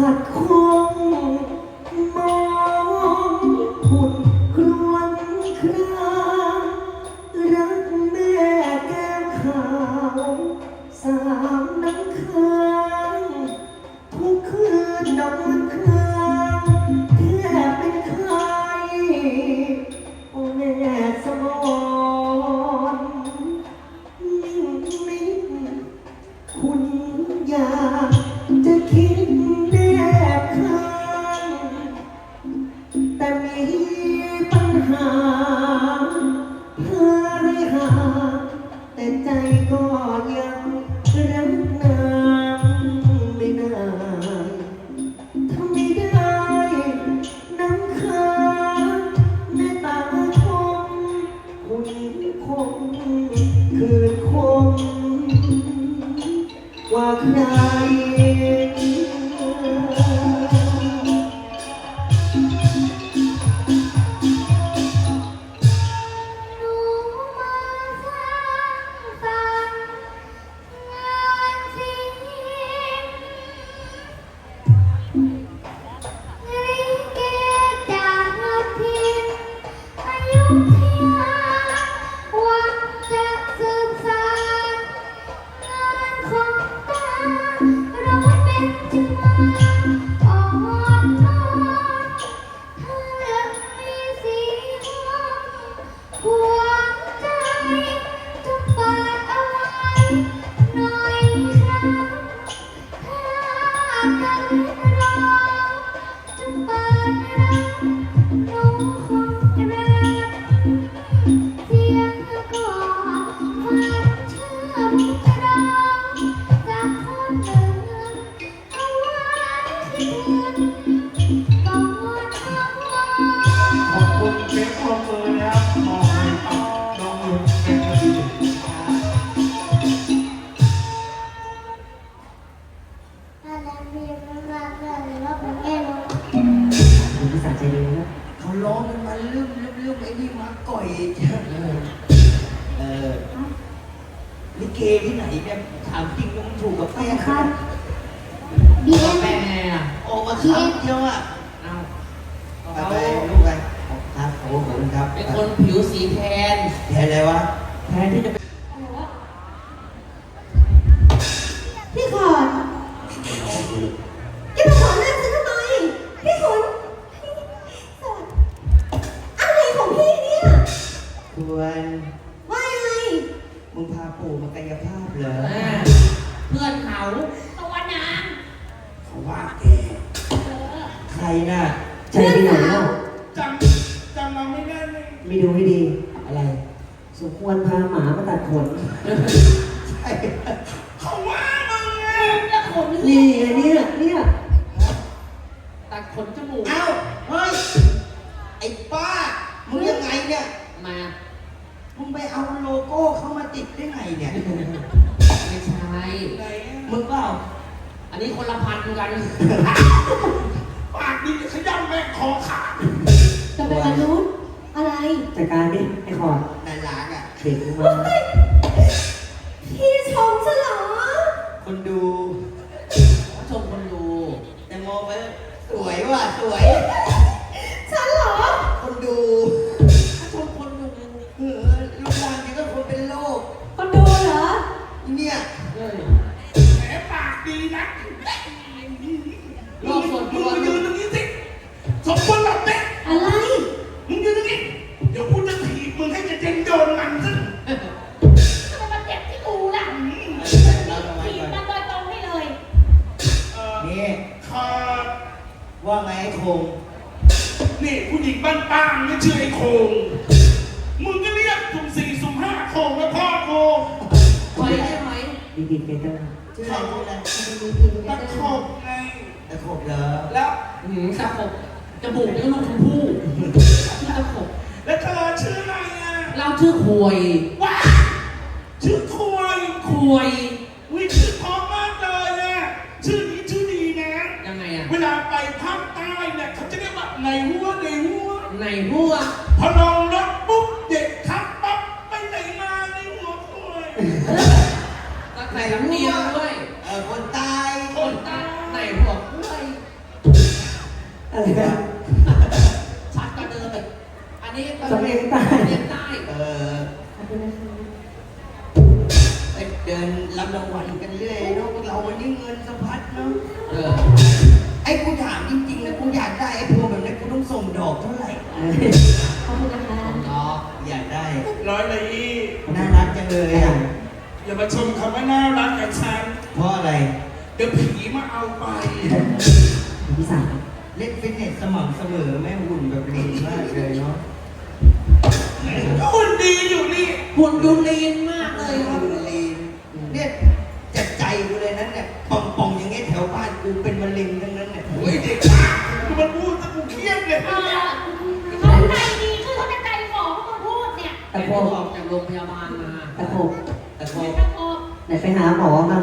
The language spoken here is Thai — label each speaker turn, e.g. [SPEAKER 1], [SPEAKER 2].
[SPEAKER 1] ขัดคงมองหุ่นครวญครางรักแม่แก้วขาวสามน้ำค้างทุกคืนนอนครางแทบเป็นไข้โอ้แม่สมรนิ่งนิดคุณอยากจะคิดแนบข้างแต่มีปัญหาเพื่อให้หาแต่ใจก็ยังรักนางไม่ได้ทำไม่ได้น้ำค้างแม่ตาคงคุณคงคืนคงกว่าใคร
[SPEAKER 2] เขาร้องมันลืมไอ้นี่มาก่อยลิเกที่ไหนเนี่ยถามจริงมันถูกกับแม่ครับ
[SPEAKER 3] บีเอ็ม
[SPEAKER 2] แม่ออกมาครับเที่ยวอ่ะเอาไปลูกไปครับขอบคุณครับ
[SPEAKER 4] เป็นคนผิวสีแทน
[SPEAKER 2] อะไรวะ
[SPEAKER 4] แทนที่จะเป็น
[SPEAKER 3] พี่ขอนแกมาขอเลิกฉันทำไมพี่ขนอะไรของพี่เนี่ย
[SPEAKER 2] ควร
[SPEAKER 3] ว่ายังไง
[SPEAKER 2] มึงพาปู่มากายภาพเหรอ
[SPEAKER 4] เพื่อนเขา
[SPEAKER 3] ตัวนาง
[SPEAKER 2] เขาว่าแกใครน่ะ
[SPEAKER 1] ใจที่ไหนเล่า
[SPEAKER 2] จำเราไม่ได้เลย
[SPEAKER 1] ไม่ดูให้ดี
[SPEAKER 2] อะไร
[SPEAKER 1] สมควรพาหมามาตัดขน
[SPEAKER 2] ใช่เขาว่ามึงไง
[SPEAKER 3] แล้วขน
[SPEAKER 1] นี่ไงเนี่ย
[SPEAKER 4] ตัดขนจมูก
[SPEAKER 2] เอ้าเฮ้ยไอ้ป้ามึงยังไงเนี่ย
[SPEAKER 4] มา
[SPEAKER 2] มึงไปเอาโลโก้เข้ามาติดได้ไงเนี่ย
[SPEAKER 4] ไม่ใช่
[SPEAKER 2] มึงเปล่า
[SPEAKER 4] อันนี้คนละพันกัน
[SPEAKER 2] ปากดีขย้ำแม่คอขาด
[SPEAKER 3] จะเป็นมนุษย์อะไร
[SPEAKER 1] จัดการดิไอ้ขอด
[SPEAKER 2] น่ารักอ่ะ
[SPEAKER 1] เด็กมา
[SPEAKER 3] พี่ชมฉันเหรอ
[SPEAKER 2] คนดู
[SPEAKER 4] ชมคนดู
[SPEAKER 2] แต่มองไปสวยว่ะสวย
[SPEAKER 3] ฉันเหรอ
[SPEAKER 2] คนดู
[SPEAKER 4] ชมคนดู
[SPEAKER 2] ลูกหลานนี่ก็คนเป็นโรค
[SPEAKER 3] คนดูเหรอ
[SPEAKER 2] เนี่ยแหมปากดีนะ
[SPEAKER 4] โลกส่วนตัว
[SPEAKER 2] มึงยืนตรงนี้สิสมควรแบบเนี้ย
[SPEAKER 3] อะไร
[SPEAKER 2] มึงยืนตรงนี้เดี๋ยวกูจะถีบมึงให้จะเจนโดนมันซะ
[SPEAKER 3] ทำไมมาเจ็บที่กูล่ะถีบมันโดยตรงให้เลย
[SPEAKER 2] นี่ว่าไงไอ้โคงนี่ผู้หญิงบ้านป้างไม่ชื่อไอ้โคงมึงก็เรียกสุ่มสี่สุ่มห้าโคงแล้วพ่อโคง
[SPEAKER 4] ไปใช่ไหม
[SPEAKER 1] ดีเกเตอร์
[SPEAKER 2] ชื่ออะไรตะขบไงตะขบเหรอแล้ว
[SPEAKER 4] ตะขบจมูกนี่ลูกชมพู่ชื่อตะขบ
[SPEAKER 2] แล้วเธอชื่ออะไรอ่ะ
[SPEAKER 4] เราชื่อควย
[SPEAKER 2] ว้าชื่อควยวิชื่อพร้อมมากเลยอ่ะชื่อนี้ชื่อดีนะ
[SPEAKER 4] ยังไงอ่ะ
[SPEAKER 2] เวลาไปภาคใต้เนี่ยเขาจะเรียกว่าในหัวพอลงรถปุ๊บเด็กทักปั๊บไปไหนมาในหัวควย
[SPEAKER 4] ใส่ลำเนียงด้วย
[SPEAKER 2] คนตาย
[SPEAKER 4] ไหนหัวควย
[SPEAKER 1] อะไรนะ
[SPEAKER 4] ชัดกว่าเดิมอีกอันนี้ก็
[SPEAKER 1] สำเนียงใต้
[SPEAKER 4] สำเนียงใต้
[SPEAKER 3] ขอบคุณนะคะ
[SPEAKER 5] เดินรับรางวัลกันเรื่อยเนาะเราวันนี้เงินสะพัดเนาะ
[SPEAKER 4] เออ
[SPEAKER 5] ไอ้กูถามจริงๆนะกูอยากได้ไอ้พวงแบบนี้กูต้องส่งดอกเท่าไหร่
[SPEAKER 3] ขอบคุณนะคะ
[SPEAKER 4] เนาะ
[SPEAKER 5] อยากได้
[SPEAKER 2] ร้อยเลยอี
[SPEAKER 5] น่ารักจังเลยอ่ะ
[SPEAKER 2] อย่ามาชมคำว่าน่ารักกับฉัน
[SPEAKER 5] เพราะอะไร
[SPEAKER 2] เดี๋ยวผีมาเอาไป
[SPEAKER 1] พี่สาว
[SPEAKER 5] เล่นฟิตเนสสม่ำเสมอแม่หุ่นแบบลีนมากเลยเนาะ
[SPEAKER 2] คุณดีอยู่นี่
[SPEAKER 4] หุ่นดูลีนมากเลยครับ
[SPEAKER 5] หุ่นลีนเนี่ยจัดใจกูเลยนั้นเนี่ยป่องๆอย่างเงี้ยแถวบ้านกูเป็นมะเร็งทั้งนั้นเนี่ย
[SPEAKER 2] โอ้ยเด็กบ้ากูมันพูดซะกูเครียดเลย
[SPEAKER 3] เขาใจดีคือเขาจะใจหมอเขามาพูดเนี่ย
[SPEAKER 1] ตะ
[SPEAKER 4] แต่
[SPEAKER 1] โพ
[SPEAKER 4] พอก ออกจากโรงพยาบาลมา
[SPEAKER 1] ตะโพก
[SPEAKER 5] แต่พอ
[SPEAKER 3] ตะโกน
[SPEAKER 1] ไหนไปหาหมอมา